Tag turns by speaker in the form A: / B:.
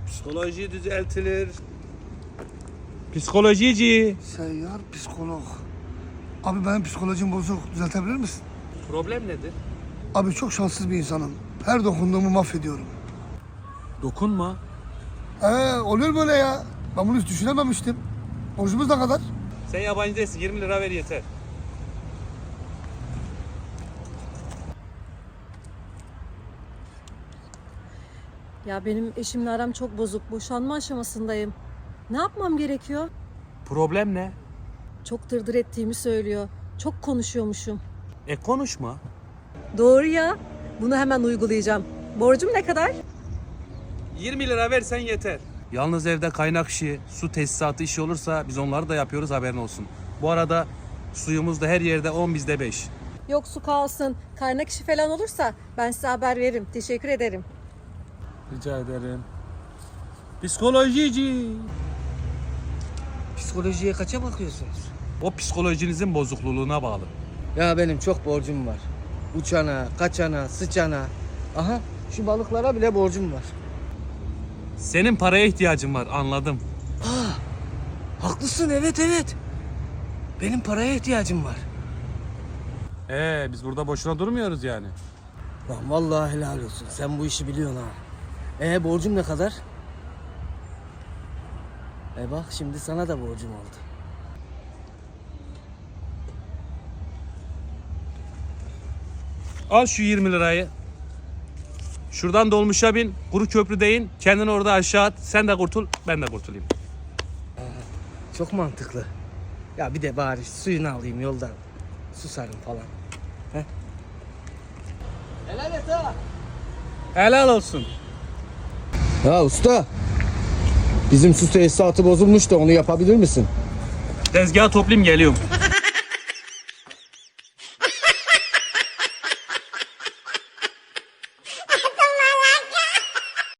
A: Psikoloji düzeltilir. Psikolojici.
B: Seyyar psikolog. Abi benim psikolojim bozuk. Düzeltebilir misin?
A: Problem nedir?
B: Abi çok şanssız bir insanım. Her dokunduğumu mahvediyorum.
A: Dokunma.
B: Oluyor böyle ya. Ben bunu hiç düşünememiştim. Borcumuz ne kadar?
A: Sen yabancı değilsin. 20 lira ver yeter.
C: Ya benim eşimle aram çok bozuk. Boşanma aşamasındayım. Ne yapmam gerekiyor?
A: Problem ne?
C: Çok dırdır ettiğimi söylüyor. Çok konuşuyormuşum.
A: Konuşma.
C: Doğru ya. Bunu hemen uygulayacağım. Borcum ne kadar?
A: 20 lira versen yeter. Yalnız evde kaynak işi, su tesisatı işi olursa biz onları da yapıyoruz, haberin olsun. Bu arada suyumuz da her yerde 10 bizde 5.
C: Yok su kalsın. Kaynak işi falan olursa ben size haber veririm. Teşekkür ederim.
A: Rica ederim. Psikolojici.
D: Psikolojiye kaça bakıyorsunuz?
A: O psikolojinizin bozukluğuna bağlı.
D: Ya benim çok borcum var. Uçana, kaçana, sıçana. Aha şu balıklara bile borcum var.
A: Senin paraya ihtiyacın var, anladım.
D: Haklısın, evet. Benim paraya ihtiyacım var.
A: Biz burada boşuna durmuyoruz yani.
D: Lan vallahi helal olsun. Sen bu işi biliyorsun ha. Borcum ne kadar? Bak şimdi sana da borcum oldu.
A: Al şu 20 lirayı. Şuradan dolmuşa bin, kuru köprüde in, kendini orada aşağı at. Sen de kurtul, ben de kurtulayım.
D: Çok mantıklı. Ya bir de bari suyunu alayım yoldan. Susarım falan. Helal et ha.
A: Helal olsun.
D: Ya usta. Bizim su tesisatı bozulmuş da onu yapabilir misin?
A: Tezgahı toplayayım, geliyorum.